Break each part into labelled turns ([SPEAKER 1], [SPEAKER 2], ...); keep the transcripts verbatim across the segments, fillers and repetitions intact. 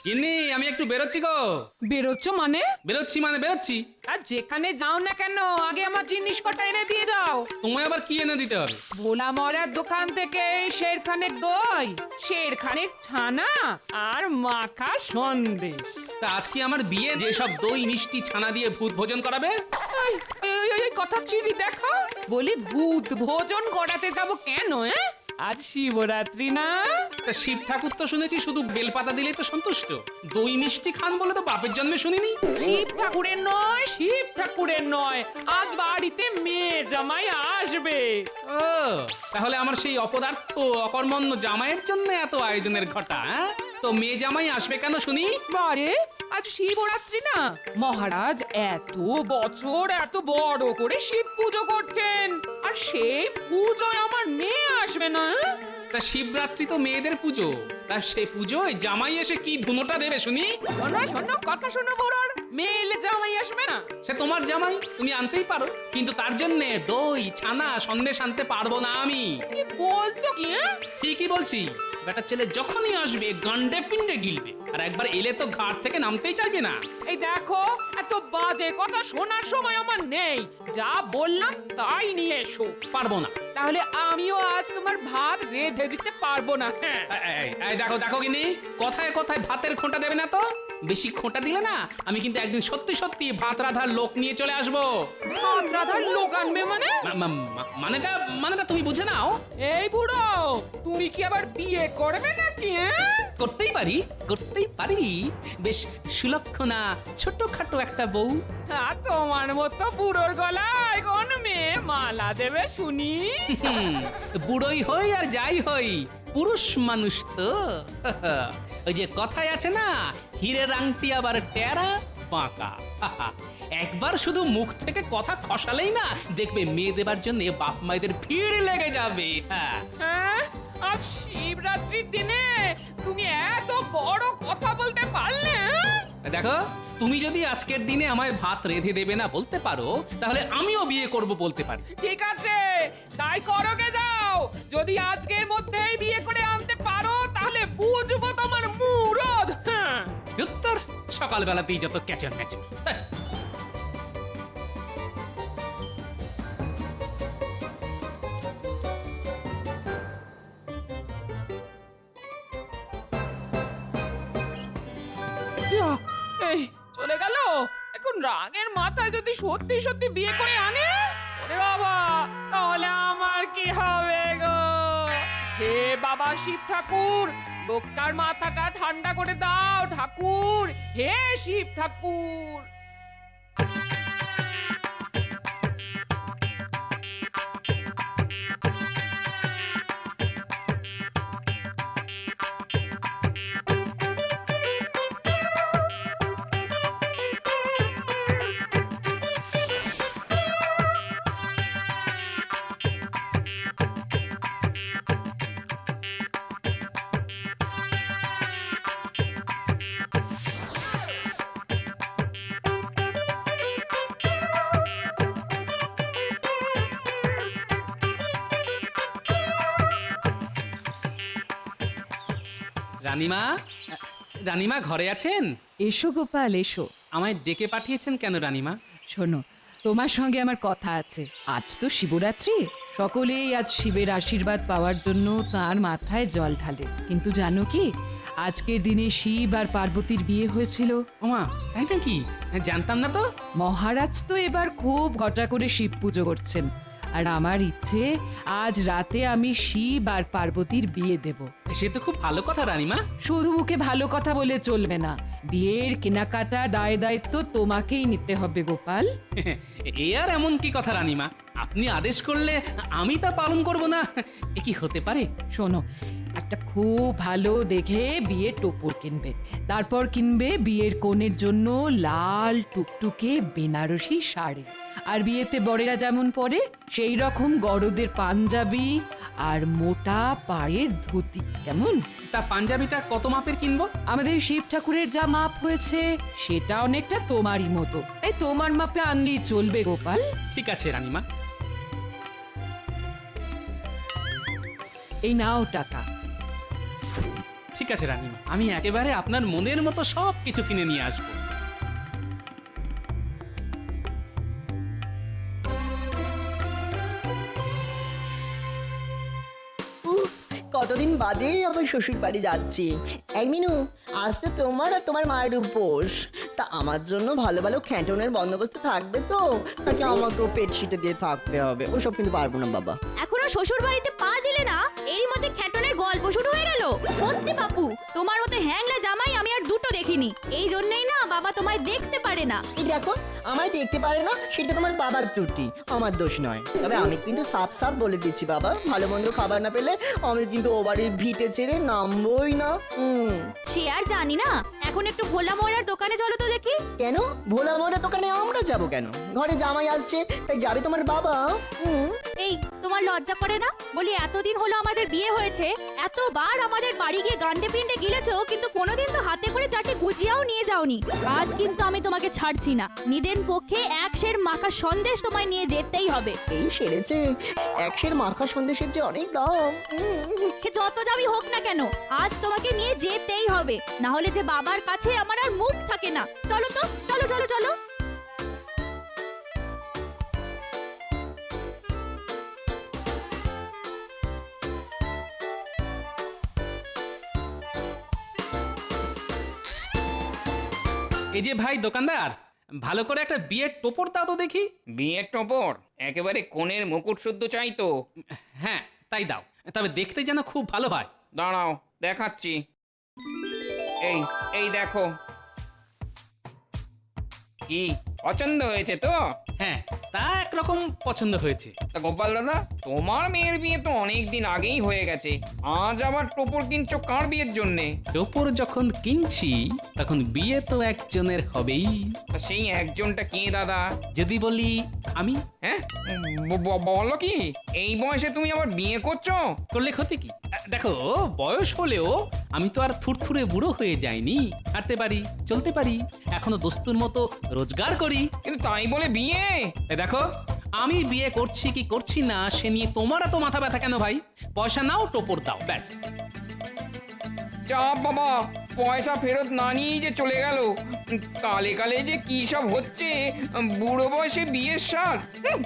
[SPEAKER 1] গিন্নি আমি একটু বেরোচ্ছি গো।
[SPEAKER 2] বেরোচ্ছ মানে?
[SPEAKER 1] বেরোচ্ছি মানে বেরোচ্ছি।
[SPEAKER 2] আর যেখানে যাও না কেন আগে আমার জিনিস কটা এনে দিয়ে যাও।
[SPEAKER 1] তোমায় আবার কি এনে দিতে হবে?
[SPEAKER 2] ভোলা মরার দোকান থেকে শেরখানেক দই, শেরখানেক ছানা আর মাখা সন্দেশ।
[SPEAKER 1] তা আজ কি আমার বিয়ে, যে সব দই মিষ্টি ছানা দিয়ে ভূত ভোজন করাবে?
[SPEAKER 2] এই, এই, এই, এই কথা চিড়ি দেখো, বলি ভূত ভোজন করাতে যাব কেন? হ্যাঁ, আজ শিবরাত্রি না?
[SPEAKER 1] তা শিব ঠাকুর তো শুনেছি শুধু বেলপাতা দিলেই তো সন্তুষ্ট, দই মিষ্টি খান বলে তো বাপের জন্মে শুনিনি।
[SPEAKER 2] শিব ঠাকুরের নয়, শিব ঠাকুরের নয়, আজ বাড়িতে মেয়ে জামাই আসবে।
[SPEAKER 1] ও তাহলে আমার সেই অপদার্থ অকর্মণ্য জামাইয়ের জন্য এত আয়োজনের ঘটা? হ্যাঁ, তো মেয়ে জামাই আসবে কেন শুনি?
[SPEAKER 2] বারে, আজ শিবরাত্রি না, মহারাজ এত বছর এত বড় করে শিব পুজো করছেন, আর সেই পুজোয় আমার মেয়ে আসবে না?
[SPEAKER 1] তা শিবরাত্রি তো মেয়েদের পুজো, তা সে পুজোয় জামাই এসে কি ধুনোটা দেবে শুনি?
[SPEAKER 2] শোনো শোনো কথা শোনো বড়র, মেয়ে এলে জামাই আসবে না?
[SPEAKER 1] সে তোমার জামাই, তুমি আনতেই পারো, কিন্তু তার জন্য দই ছানা সন্দেশ আনতে পারবো না আমি।
[SPEAKER 2] কি বলছো কি? হ্যাঁ?
[SPEAKER 1] ঠিকই বলছি, বেটা ছেলে যখনই আসবে গান্ডে পিন্ডে গিলবে, আর একবার এলে তো ঘাট থেকে নামতেই চাইবে না।
[SPEAKER 2] এই দেখো, এত বাজে কথা শোনার সময় আমার নেই, যা বললাম তাই নিয়ে এসো।
[SPEAKER 1] পারবো না।
[SPEAKER 2] তাহলে আমিও আজ তোমার ভাত রেঁধে দিতে পারবো না। হ্যাঁ,
[SPEAKER 1] এই, এই, এই দেখো দেখো কিনি, কথায় কথায় ভাতের খোঁটা দেবে না তো। বেশি খোঁটা দিলে না আমি কিন্তু একদিন সত্যি সত্যি ভাত রাধার লোক নিয়ে চলে আসবো।
[SPEAKER 2] ভাত রাধার লোক আনবে মানে?
[SPEAKER 1] মা- মা- মা- মানেটা মানেটা তুমি বুঝে নাও।
[SPEAKER 2] এই বুড়ো, তুমি কি আবার বিয়ে করবে নাকি? হ্যাঁ?
[SPEAKER 1] করতেই পারি, করতেই পারি, বেশ সুলক্ষণা ছোটখাটো একটা বউ।
[SPEAKER 2] আর তোমার মতো বুড়োর গলায় কোন মেয়ে মালা দেবে শুনি?
[SPEAKER 1] হুম, বুড়োই হই আর যাই হই, পুরুষ মানুষ তো। ওই যে কথায় আছে না, হীরের আংটি আবার টেরা বাঁকা। একবার শুধু মুখ থেকে কথা খসালেই না দেখবে মেয়ে দেবার জন্য বাপ মায়েদের ভিড় লেগে যাবে। হ্যাঁ,
[SPEAKER 2] হ্যাঁ, আজ শিবরাত্রির দিনে তুমি এত বড় কথা বলতে পারলে? হ্যাঁ?
[SPEAKER 1] দেখো, তুমি যদি আজকের দিনে আমায় ভাত রেঁধে দেবে না বলতে পারো, তাহলে আমিও বিয়ে করব বলতে পারি।
[SPEAKER 2] ঠিক আছে, তাই করোগে যাও। যদি আজকের মধ্যেই বিয়ে করে আনতে পারো তাহলে বুঝবো তোমার মুরদ। হ্যাঁ।
[SPEAKER 1] উত্তর সকালবেলাতেই যত ক্যাচর ম্যাচর।
[SPEAKER 2] যা, এই চলে গেল। এখন রাগের মাথায় যদি সত্যি সত্যি বিয়ে করে আনে, ওরে বাবা, তাহলে আমার কি হবে গো? হে বাবা শিব ঠাকুর, লোকটার মাথাটা ঠান্ডা করে দাও ঠাকুর, হে শিব ঠাকুর।
[SPEAKER 1] রানীমা, রানীমা ঘরে আছেন?
[SPEAKER 3] এসো গোপাল এসো।
[SPEAKER 1] আমায় ডেকে পাঠিয়েছেন কেন রানীমা?
[SPEAKER 3] শোনো, তোমার সঙ্গে আমার কথা আছে। আজ তো শিবরাত্রি, সকলেই আজ শিবের আশীর্বাদ পাওয়ার জন্য তার মাথায় জল ঢালে। কিন্তু জানো কি, আজকের দিনে শিব আর পার্বতীর বিয়ে হয়েছিল।
[SPEAKER 1] ওমা, তাই নাকি? জানতাম না তো।
[SPEAKER 3] মহারাজ তো এবার খুব ঘটা করে শিব পুজো করছেন, আর আমার ইচ্ছে আজ রাতে আমি শিব আর পার্বতীর বিয়ে দেব।
[SPEAKER 1] সে তো খুব ভালো কথা রানীমা।
[SPEAKER 3] শুধু মুখে ভালো কথা বলে চলবে না, বিয়ের কেনাকাটা দায় দায়িত্ব তোমাকেই নিতে হবে গোপাল।
[SPEAKER 1] এ আর এমন কি কথা রানীমা, আপনি আদেশ করলে আমি তা পালন করব না, এ কি হতে পারে?
[SPEAKER 3] শোনো, একটা খুব ভালো দেখে বিয়ের টোপর কিনবে, তারপর কিনবে বিয়ের কনের জন্য লাল টুকটুকে বেনারসি শাড়ি, আর বিয়েতে বরেরা যেমন পরে সেই রকম গরদের পাঞ্জাবি আর মোটা পায়ের ধুতি। কেমন?
[SPEAKER 1] তা পাঞ্জাবিটা কত মাপের কিনবো?
[SPEAKER 3] আমাদের শিব ঠাকুরের যা মাপ হয়েছে সেটা অনেকটা তোমারই মতো, তাই তোমার মাপে আনলেই চলবে গোপাল।
[SPEAKER 1] ঠিক আছে রানীমা।
[SPEAKER 3] এই নাও টাকা।
[SPEAKER 1] ঠিক আছে রানীমা, আমি একেবারে আপনার মনের মতো সব কিছু কিনে নিয়ে আসবো।
[SPEAKER 4] উফ, কতদিন বাদে আমার শ্বশুর বাড়ি যাচ্ছি। এই মিনু, আজ তো তোমার আর তোমার মায়ের উপোস। তা আমার জন্য ভালো ভালো খ্যাটনের বন্দোবস্ত থাকবে তো, নাকি আমাকেও পেট শিটে দিয়ে থাকতে হবে? ওসব কিন্তু পারবো না বাবা।
[SPEAKER 5] এখনো শ্বশুর বাড়িতে পা দিলে না, এরই মধ্যে খ্যাটনের গল্প শুরু হয়ে গেল। সত্যি বাপু, তোমার মতো হ্যাংলা জামাই আমি আর দুটো দেখিনি। এই জন্যই না বাবা তোমায় দেখতে পারে না।
[SPEAKER 4] এই দেখো, আমায় দেখতে পারে না সেটা তোমার বাবার ত্রুটি, আমার দোষ নয়। তবে আমি কিন্তু সাফ সাফ বলে দিচ্ছি বাবা, ভালো মন্দ খাবার না পেলে আমি কিন্তু ও বাড়ির ভিটে ছেড়ে নামবই না। হুম।
[SPEAKER 5] সে আর জানি না, এখন একটু ভোলা ময়রার দোকানে চলো তো দেখি।
[SPEAKER 4] কেন ভোলা মোড়া দোকানে আমরা যাব কেন? ঘরে জামাই আসছে তাই যাবে তোমার বাবা? হুম।
[SPEAKER 5] এই, তোমার লজ্জা করে না? বলি এতদিন হলো আমাদের বিয়ে হয়েছে, এতবার আমাদের বাড়ি গিয়ে গান্ডে পিন্ডে গিলেছো, কিন্তু কোনোদিন তো হাতে করে চারটে গুজিয়াও নিয়ে যাওনি। আজ কিন্তু আমি তোমাকে ছাড়ছি না। নিদেন পক্ষে এক সের মাখা সন্দেশ তোমায় নিয়ে যেতেই হবে।
[SPEAKER 4] এই সেরেছে, একশের মাখা সন্দেশের যে অনেক দাম। উম,
[SPEAKER 5] সে যত দামি হোক না কেন, আজ তোমাকে নিয়ে যেতেই হবে। না হলে যে বাবার কাছে আমার আর মুখ থাকে না। চলো তো, চলো চলো চলো।
[SPEAKER 1] এই যে ভাই দোকানদার, ভালো করে একটা বিয়ের টোপর দাও তো দেখি।
[SPEAKER 6] বিয়ের টপর একেবারে কোণের মুকুট শুদ্ধ চাই তো।
[SPEAKER 1] হ্যাঁ তাই দাও, তবে দেখতে যেন খুব ভালো হয়।
[SPEAKER 6] দাঁড়াও দেখাচ্ছি। এই এই দেখো, কি পছন্দ হয়েছে তো?
[SPEAKER 1] হ্যাঁ, তা একরকম পছন্দ হয়েছে।
[SPEAKER 6] তা গোপাল দাদা, তোমার মেয়ের বিয়ে তো অনেক দিন আগেই হয়ে গেছে, আজ আবার টপর কিনছো কার বিয়ের জন্যে?
[SPEAKER 1] টোপর যখন কিনছি তখন বিয়ে তো একজনের হবেই।
[SPEAKER 6] তা সেই একজনটা কে দাদা?
[SPEAKER 1] যদি বলি আমি,
[SPEAKER 6] হ্যাঁ ব- ব- বলো কি, এই বয়সে তুমি আবার বিয়ে করছো?
[SPEAKER 1] করলে ক্ষতি কি? আহ, দেখো, বয়স হলেও আমি তো আর থুরথুরে বুড়ো হয়ে যাইনি। হাঁটতে পারি, চলতে পারি, এখনো দস্তুর মতো রোজগার করি।
[SPEAKER 6] কিন্তু তাই বলে বিয়ে?
[SPEAKER 1] এ দেখো, আমি বিয়ে করছি কি করছি না সে নিয়ে তোমার এত মাথা ব্যথা কেন ভাই? পয়সা নাও, টোপর দাও, ব্যাস।
[SPEAKER 6] চাপ বাবা, পয়সা ফেরত না নিয়েই যে চলে গেল। কালে কালে যে কি সব হচ্ছে, বুড়ো বয়সে বিয়ের সার। হুঁ।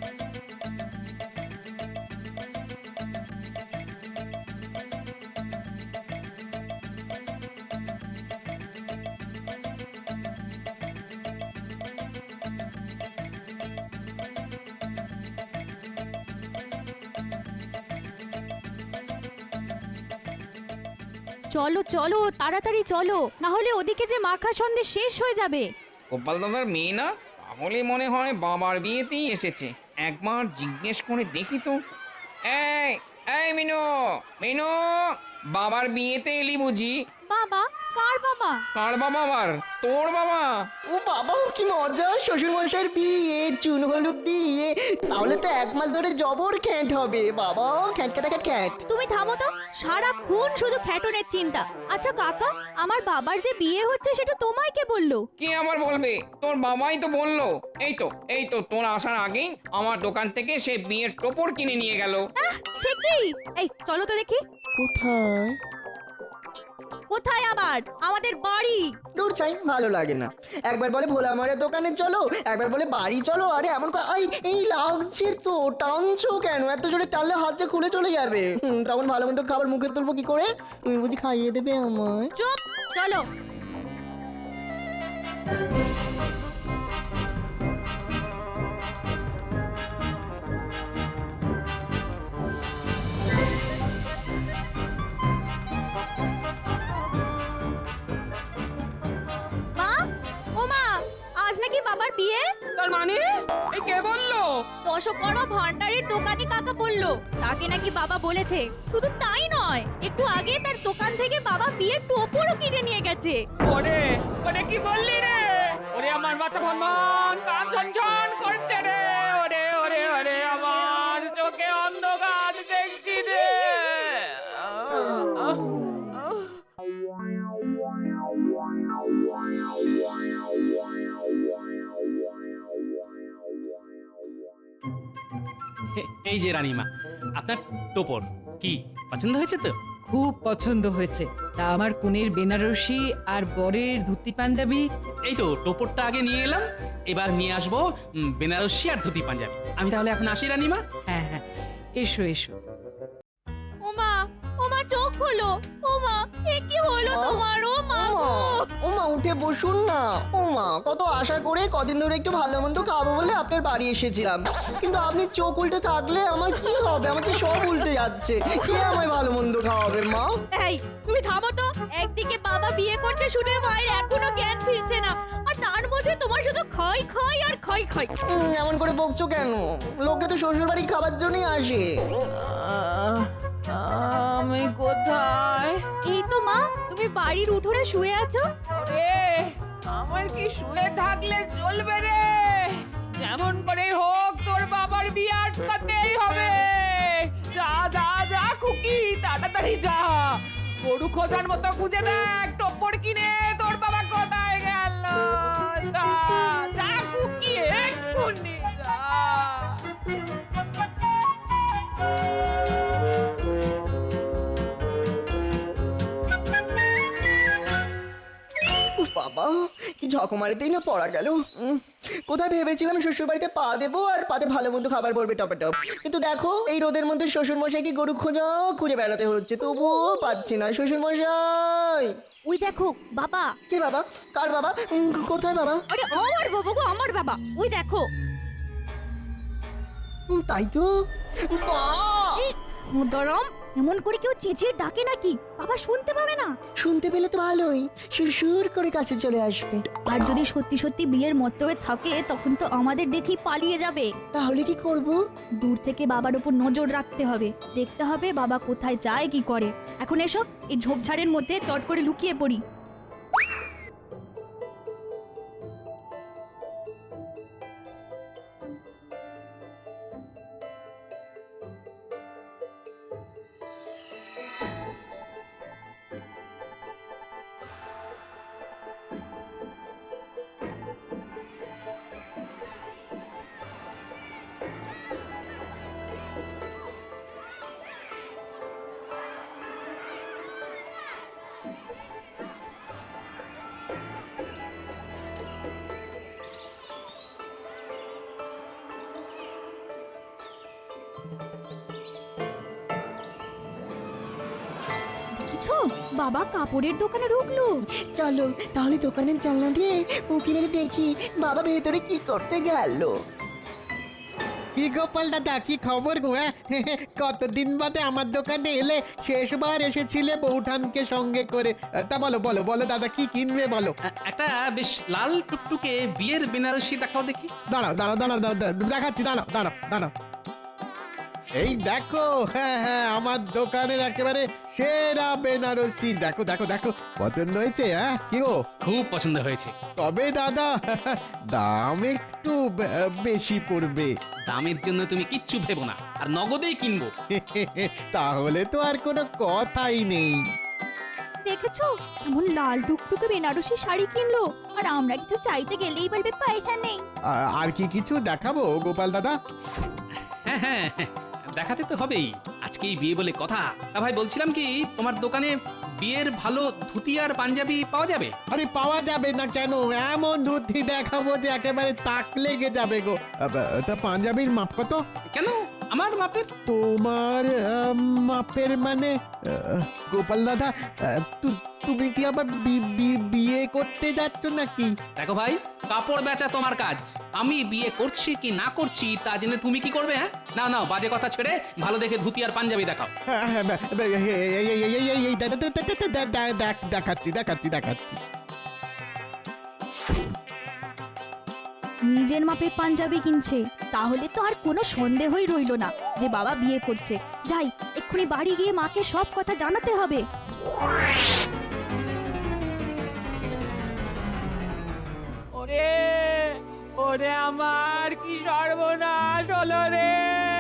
[SPEAKER 5] চলো চলো, তাড়াতাড়ি চলো, না হলে ওদিকে যে মাখা সন্দেশ শেষ হয়ে যাবে।
[SPEAKER 6] গোপাল দাদার মেয়ে না, তাহলে মনে হয় বাবার বিয়েতেই এসেছে। একবার জিজ্ঞেস করে দেখি তো। এই এই মিনু, মিনু, বাবার বিয়েতে এলি বুঝি?
[SPEAKER 5] বাবা? কার বাবা?
[SPEAKER 6] কার বাবা আবার? তোর বাবা?
[SPEAKER 4] ও বাবা, কি মজা! শ্বশুর মশাইয়ের বিয়ে, চুন হলুদ দিয়ে, তাহলে তো এক মাস ধরে জবর খ্যাট হবে বাবা। খ্যাট কাটা খ্যাট খ্যাট।
[SPEAKER 5] তুমি থামো তো, সারাক্ষণ শুধু খ্যাটনের চিন্তা। আচ্ছা কাকা, আমার বাবার যে বিয়ে হচ্ছে সেটা তোমায় কে বললো?
[SPEAKER 6] কে আবার বলবে? তোর বাবাই তো বললো। এই তো এই তো তোর আসার আগেই আমার দোকান থেকে সে বিয়ের টোপর কিনে নিয়ে গেল।
[SPEAKER 5] আহ, সে কি? এই চলো তো দেখি।
[SPEAKER 4] কোথায়?
[SPEAKER 5] কোথায় আবার? আমাদের বাড়ি।
[SPEAKER 4] দূর চাই, ভালো লাগে না। একবার বলে ভোলা মারের দোকানে চলো, একবার বলে বাড়ি চলো। আরে এমন ক- এই এই লাগছে তো, টানছো কেন? এত জোরে টানলে হাত যে খুলে চলে যাবে। হুম, তখন ভালো মন্দ খাবার মুখে তুলবো কি করে? তুমি বুঝি খাইয়ে দেবে আমায়?
[SPEAKER 5] চুপ, চলো। মা, ও মা, আজ নাকি বাবার বিয়ে?
[SPEAKER 2] তার মানে এই কে বললো?
[SPEAKER 5] দশকর্মা ভান্ডারের দোকানি কাকা বলল, তাকে নাকি বাবা বলেছে। শুধু তাই নয়, একটু আগে তার দোকান থেকে বাবা বিয়ের টোপরও কিনে নিয়ে গেছে।
[SPEAKER 2] ওরে ওরে, কি বললি রে? ওরে আমার মাথা ভনভন, কান ঝনঝন করছে রে। ওরে ওরে ওরে, আমার চোখে অন্ধকার দেখছি রে। আহ, আহ, আহ।
[SPEAKER 1] এই যে রানীমা, আপনার টোপর কি পছন্দ হয়েছে তো?
[SPEAKER 3] খুব পছন্দ হয়েছে। তা আমার কনের বেনারসি আর বরের ধুতি পাঞ্জাবি?
[SPEAKER 1] এই তো টোপরটা আগে নিয়ে এলাম, এবার নিয়ে আসবো উম, বেনারসি আর ধুতি পাঞ্জাবি। আমি তাহলে এখন আসি রানীমা।
[SPEAKER 3] হ্যাঁ হ্যাঁ, এসো এসো।
[SPEAKER 5] ওমা ওমা চোখ খোলো। ওমা এ কি হলো
[SPEAKER 4] আহ,
[SPEAKER 5] তোমার? ওমা
[SPEAKER 4] ও মা, ও মা উঠে বসুন না। ও মা, কত আশা করে কদিন ধরে একটু ভালো মন্দ খাবো বলে আপনার বাড়ি এসেছিলাম, কিন্তু আপনি চোখ উল্টে থাকলে আমার কি হবে? আমার তো সব উল্টে যাচ্ছে। কে আমায় ভালো মন্দ খাওয়াবে মা?
[SPEAKER 5] এই তুমি থামো তো। একদিকে বাবা বিয়ে করতে শুনে মায়ের এখনো জ্ঞান ফিরছে না, আর তার মধ্যে তোমার শুধু ক্ষয় ক্ষয় আর ক্ষয় ক্ষয়।
[SPEAKER 4] উম, এমন করে বকছো কেন? লোকে তো শ্বশুর বাড়ি খাবার জন্যই আসে।
[SPEAKER 3] আহ, আমি কোথায়?
[SPEAKER 5] এই তো মা, তুমি বাড়ির উঠোনে শুয়ে আছো।
[SPEAKER 2] রে আমার কি শুয়ে থাকলে চলবে রে? যেমন করে হোক তোর বাবার বিয়ে আটকাতেই হবে। যা যা যা খুকি, তাড়াতাড়ি যা। গরু খোঁজার মতো খুঁজে দেখ টোপর কিনে তোর বাবা কোথায় গেল। যা যা খুকি, এক্ষুনি যা।
[SPEAKER 4] উফ বাবা, কি ঝকমারিতেই না পড়া গেল। উম, কোথায় ভেবেছিলাম শ্বশুর বাড়িতে পা দেবো আর পাতে ভালো মন্দ খাবার পড়বে টপে টপ, কিন্তু দেখো এই রোদের মধ্যে শ্বশুর মশাই কি গরু খোঁজা খুঁজে বেড়াতে হচ্ছে, তবুও পাচ্ছি না শ্বশুর মশাই।
[SPEAKER 5] ওই দেখো বাবা।
[SPEAKER 4] কে বাবা? কার বাবা? উম, কোথায় বাবা?
[SPEAKER 5] আরে আমার বাবা গো, আমার বাবা। ওই দেখো।
[SPEAKER 4] উম, তাই তো। বাহ!
[SPEAKER 5] দরম এমন করে কেউ চেঁচিয়ে ডাকে নাকি? বাবা শুনতে পাবে না।
[SPEAKER 4] শুনতে পেলে তো ভালোই, সুরসুর করে কাছে চলে আসবে।
[SPEAKER 5] আর যদি সত্যি সত্যি বিয়ের মতো হয়ে থাকে তখন তো আমাদের দেখেই পালিয়ে যাবে।
[SPEAKER 4] তাহলে কি করব?
[SPEAKER 5] দূর থেকে বাবার উপর নজর রাখতে হবে, দেখতে হবে বাবা কোথায় যায় কি করে। এখন এসো, এই ঝোপঝাড়ের মধ্যে চট করে লুকিয়ে পড়ি। দেখছো বাবা কাপড়ের দোকানে ঢুকলো।
[SPEAKER 4] চলো তাহলে দোকানের জানলা দিয়ে উঁকি মেরে দেখি বাবা ভেতরে কি করতে গেল।
[SPEAKER 7] কি গোপাল দাদা, কি খবর গো? হ্যাঁ? কতদিন বাদে আমার দোকানে এলে, শেষবার এসেছিলে বৌঠানকে সঙ্গে করে। তা বলো বলো বলো দাদা, কি কিনবে বলো।
[SPEAKER 1] আ- একটা বেশ লাল টুকটুকে বিয়ের বেনারসি দেখাও দেখি।
[SPEAKER 7] দাঁড়াও দাঁড়াও দাঁড়াও দাঁড়াও দাঁড়াও, দেখাচ্ছি, দাঁড়াও দাঁড়াও দাঁড়াও। এই দেখো, হ্যাঁ হ্যাঁ, আমার দোকানের একেবারে সেরা বেনারসি। দেখো দেখো দেখো, পছন্দ হয়েছে? হ্যাঁ কি গো?
[SPEAKER 1] খুব পছন্দ হয়েছে।
[SPEAKER 7] তবে দাদা দাম একটু বে- বেশি পড়বে।
[SPEAKER 1] দামের জন্য তুমি কিচ্ছু ভেবো না, আর নগদেই কিনবো।
[SPEAKER 7] তাহলে তো আর কোনো কথাই নেই।
[SPEAKER 5] দেখেছো এমন লাল টুকটুকে বেনারসি শাড়ি কিনলো, আর আমরা কিছু চাইতে গেলেই বলবে পয়সা নেই।
[SPEAKER 7] আ- আর কি কিছু দেখাবো গোপাল দাদা?
[SPEAKER 1] হ্যাঁ হ্যাঁ হ্যাঁ, দেখাতে তো হবেই, আজকেই বিয়ে বলে কথা। তা ভাই বলছিলাম কি, তোমার দোকানে বিয়ের ভালো ধুতি আর পাঞ্জাবি পাওয়া যাবে?
[SPEAKER 7] আরে পাওয়া যাবে না কেন? এমন ধুতি দেখাবো যে একেবারে তাক লেগে যাবে গো। আব- তা পাঞ্জাবির মাপ কত?
[SPEAKER 1] কেন আমার মাপের?
[SPEAKER 7] তোমার আহ, মাপের মানে আহ, গোপাল দাদা, আহ, তু- তুমি কি আবার বি- বি- বিয়ে করতে যাচ্ছ নাকি?
[SPEAKER 1] দেখো ভাই, কাপড় বেচা তোমার কাজ, আমি বিয়ে করছি কি না করছি তা জেনে তুমি কি করবে? হ্যাঁ না না, বাজে কথা ছেড়ে ভালো দেখে ধুতি আর পাঞ্জাবি দেখাও।
[SPEAKER 7] হ্যাঁ, হ্যাঁ, বে- বে- এই- এই- এই- এই- এই- এই- এই- দে- দে- দে- দে- দে- দে- দেখ- দেখাচ্ছি দেখাচ্ছি দেখাচ্ছি।
[SPEAKER 5] নিজের মাপের পাঞ্জাবি কিনছে, তাহলে তো আর কোনো সন্দেহই রইলো না যে বাবা বিয়ে করছে। যাই এক্ষুনি বাড়ি গিয়ে মাকে সব কথা জানাতে হবে।
[SPEAKER 2] ওরে ওরে আমার কি সর্বনাশ হলো রে।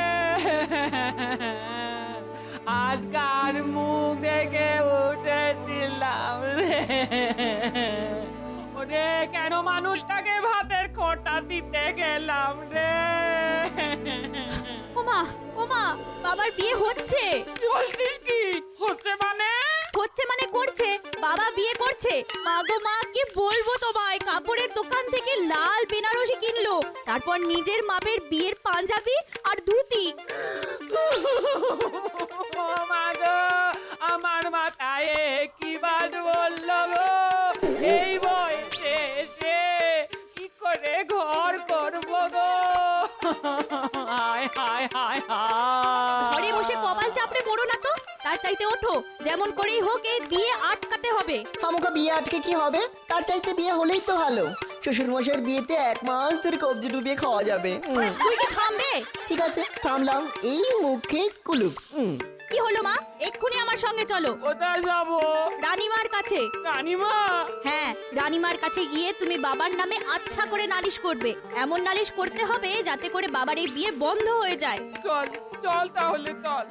[SPEAKER 2] আজকার মুখ দেখে উঠেছিলাম রে। ওরে কেন মানুষটাকে ভাতের খোঁটা দিতে গেলাম রে।
[SPEAKER 5] ওমা ওমা বাবার বিয়ে হচ্ছে।
[SPEAKER 2] কি বলছিস কি? হচ্ছে মানে
[SPEAKER 5] হচ্ছে মানে করছে, বাবা বিয়ে করছে। মা গো মা, কি বলবো তোমায়, কাপড়ের দোকান থেকে লাল বেনারসি কিনলো, তারপর নিজের মাপের বিয়ের পাঞ্জাবি আর ধুতি।
[SPEAKER 2] ও মা গো, আমার মাথায় কি বাজ বললো গো, এই বয়সে এসে কি করে ঘর করবো গো। হায় হায় হায় হায়।
[SPEAKER 5] ঘরে বসে কপাল চাপড়ে পড়ো না তো, তার চাইতে ওঠো, যেমন করেই হোক এই বিয়ে আটকাতে হবে।
[SPEAKER 4] খামোকা বিয়ে আটকে কি হবে? তার চাইতে বিয়ে হলেই তো ভালো। শ্বশুর মশাইয়ের বিয়েতে এক মাস ধরে কবজি ডুবিয়ে খাওয়া যাবে। উম,
[SPEAKER 5] তুই কি থামবে?
[SPEAKER 4] ঠিক আছে, থামলাম। এই মুখে কুলুপ। উম,
[SPEAKER 5] কি হলো মা, এক্ষুনি আমার সঙ্গে চলো
[SPEAKER 2] কোথায় যাবো?
[SPEAKER 5] রানীমার কাছে।
[SPEAKER 2] রানীমা,
[SPEAKER 5] হ্যাঁ, রানীমার কাছে গিয়ে তুমি বাবার নামে আচ্ছা করে নালিশ করবে। এমন নালিশ করতে হবে যাতে করে বাবার এই বিয়ে বন্ধ হয়ে যায়।
[SPEAKER 2] চল চল তাহলে চল।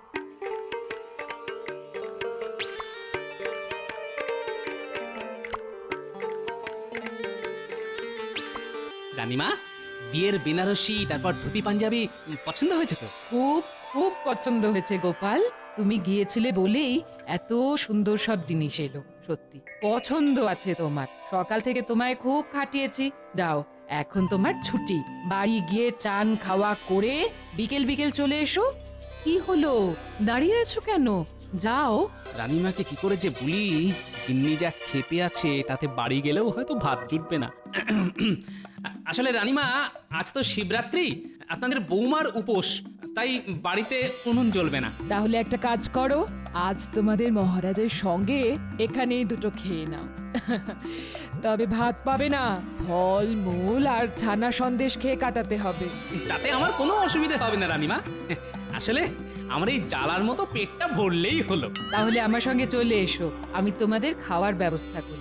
[SPEAKER 1] রানীমা, বিয়ের বেনারসি তারপর ধুতি পাঞ্জাবি উম, পছন্দ হয়েছে তো?
[SPEAKER 3] খুব খুব পছন্দ হয়েছে গোপাল। তুমি গিয়েছিলে বলেই এত সুন্দর সব জিনিস এলো। সত্যি পছন্দ আছে তোমার। সকাল থেকে তোমায় খুব খাটিয়েছি। যাও, এখন তোমার ছুটি। বাড়ি গিয়ে চান খাওয়া করে বিকেল বিকেল চলে এসো। কি হলো, দাঁড়িয়ে আছো কেন? যাও।
[SPEAKER 1] রানীমাকে কি করে যে বলি, গিন্নি যা খেপে আছে তাতে বাড়ি গেলেও হয়তো ভাত জুটবে না। আসলে রানীমা, আজ তো শিবরাত্রি, আপনাদের বৌমার উপোস, তাই বাড়িতে উনুন জ্বলবে না।
[SPEAKER 3] তাহলে একটা কাজ করো, আজ তোমাদের মহারাজের সঙ্গে এখানেই দুটো খেয়ে নাও। তবে ভাত পাবে না, ফল মূল আর ছানা সন্দেশ খেয়ে কাটাতে হবে।
[SPEAKER 1] তাতে আমার কোনো অসুবিধা হবে না রানীমা। আসলে আমার এই জ্বালার মতো পেটটা ভরলেই হলো।
[SPEAKER 3] তাহলে আমার সঙ্গে চলে এসো, আমি তোমাদের খাওয়ার ব্যবস্থা করি।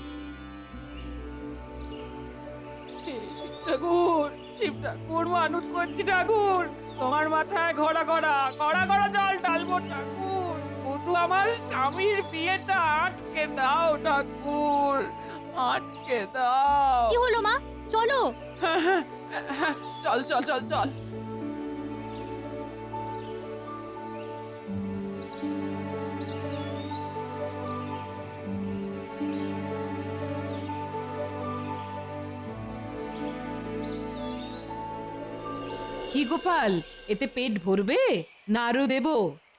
[SPEAKER 2] ঠাকুর, শিব ঠাকুর, মানত করছি ঠাকুর, তোমার মাথায় ঘোড়া ঘোড়া ঘোড়া ঘোড়া জল ঢালবো ঠাকুর, শুধু আমার স্বামীর বিয়েটা আটকে দাও ঠাকুর, আটকে দাও।
[SPEAKER 5] কি হলো মা, চলো।
[SPEAKER 2] চল চল চল চল।
[SPEAKER 3] কি গোপাল, এতে পেট ভরবে না আরো দেবো?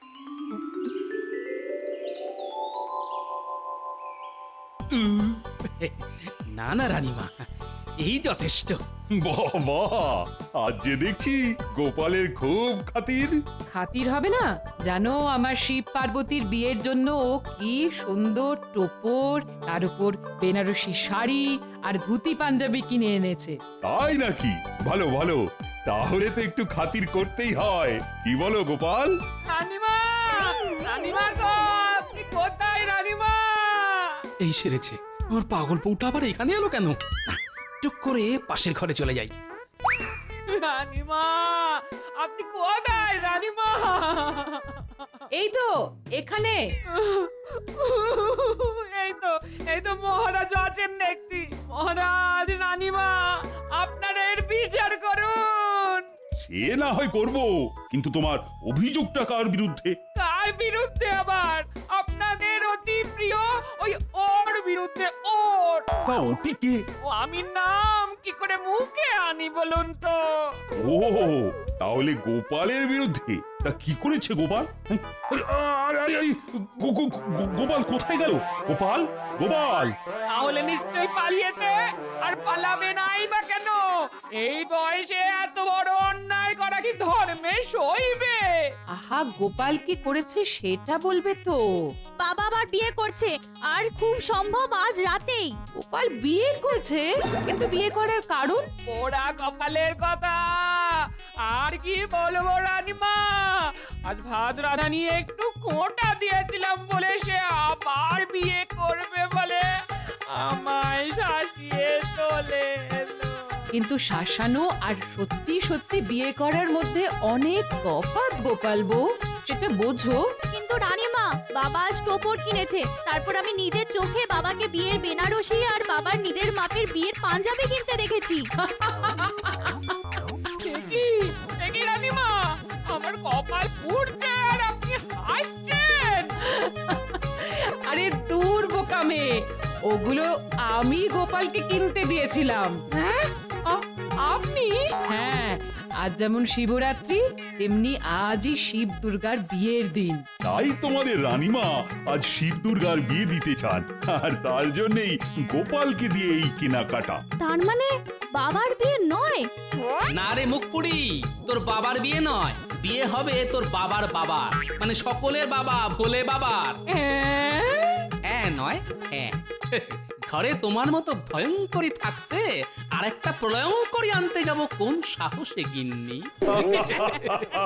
[SPEAKER 1] উম, না না রানীমা, এই যথেষ্ট।
[SPEAKER 8] বাবা, আজ যে দেখছি গোপালের খুব খাতির।
[SPEAKER 3] খাতির হবে না? জানো, আমার শিব পার্বতীর বিয়ের জন্য ও কি সুন্দর টোপর, তার উপর বেনারসি শাড়ি আর ধুতি পাঞ্জাবি কিনে এনেছে।
[SPEAKER 8] তাই নাকি? ভালো ভালো, তাহলে তো একটু খাতির করতেই হয়। কি বলো গোপাল?
[SPEAKER 2] রানীমা, রানীমা গো, আপনি কোথায় রানীমা?
[SPEAKER 1] এই সেরেছে, আমার পাগল বউটা আবার এখানে এলো কেন? টুক করে পাশের ঘরে চলে যাই।
[SPEAKER 2] রানীমা, আপনি কোথায় রানীমা?
[SPEAKER 3] এই তো এখানে।
[SPEAKER 2] এই তো, এই তো মহারাজ আছেন দেখছি। মহারাজ, রানীমা, আপনারা এর বিচার করুন।
[SPEAKER 8] সে না হয় করব, কিন্তু তোমার অভিযোগটা কার বিরুদ্ধে?
[SPEAKER 2] কার বিরুদ্ধে আবার? আপনাদের অতি প্রিয় ওই ওর বিরুদ্ধে। ওর
[SPEAKER 8] তা ওটি কে?
[SPEAKER 2] ও আমি নাম কি করে মুখে আনি বলুন তো?
[SPEAKER 8] ও, তাহলে গোপালের বিরুদ্ধে। তা কি করেছে গোপাল? এই, আরে, আরে, আরে, গো- গো- গো- গোপাল কোথায় গেল? গোপাল, গোপাল!
[SPEAKER 2] তাহলে নিশ্চয়ই পালিয়েছে। আর পালাবে নাই বা কেন? এই বয়সে এত বড় অন্যায় করা কি ধর্মে সইবে?
[SPEAKER 3] আহা, গোপাল কি করেছে সেটা বলবে তো।
[SPEAKER 5] বাবা আবার বিয়ে করছে, আর খুব সম্ভব আজ রাতেই।
[SPEAKER 3] গোপাল বিয়ে করেছে, কিন্তু বিয়ে করার কারণ?
[SPEAKER 2] পোড়া কপালের কথা আর কি বলবো রানীমা। আজ ভাত রাধা নিয়ে একটু কোটা দিয়েছিলাম বলে সে আবার বিয়ে করবে বলে আমায় শাসিয়ে চলে এলো।
[SPEAKER 3] কিন্তু শাসানো আর সত্যি সত্যি বিয়ে করার মধ্যে অনেক তফাৎ গোপাল বউ, সেটা বোঝো।
[SPEAKER 5] কিন্তু রানীমা, বাবা আজ টোপর কিনেছে, তারপর আমি নিজের চোখে বাবাকে বিয়ের বেনারসি আর বাবার নিজের মাপের বিয়ের পাঞ্জাবি কিনতে দেখেছি।
[SPEAKER 2] দেখি দেখি রানীমা, আমার কপাল পুড়ছে আর আপনি হাসছেন।
[SPEAKER 3] আরে দূর বোকা মেয়ে, ওগুলো আমি গোপালকে কিনতে দিয়েছিলাম।
[SPEAKER 2] হ্যাঁ আ- আপনি
[SPEAKER 3] হ্যাঁ, আজ যেমন শিবরাত্রি তেমনি আজই শিব দুর্গার বিয়ের দিন।
[SPEAKER 8] তাই তোমাদের রানীমা আজ শিব দুর্গার বিয়ে দিতে চান, আর তার জন্যই গোপালকে দিয়ে এই কেনাকাটা।
[SPEAKER 5] তার মানে বাবার বিয়ে নয়?
[SPEAKER 1] না রে মুখপুরি, তোর বাবার বিয়ে নয়, বিয়ে হবে তোর বাবার বাবার, মানে সকলের বাবা, ভোলে বাবার।
[SPEAKER 2] হ্যাঁ?
[SPEAKER 1] হ্যাঁ নয় হ্যাঁ। ঘরে তোমার মতো ভয়ঙ্করী থাকতে আরেকটা প্রলয়ঙ্করী আনতে যাব কোন সাহসে গিন্নি?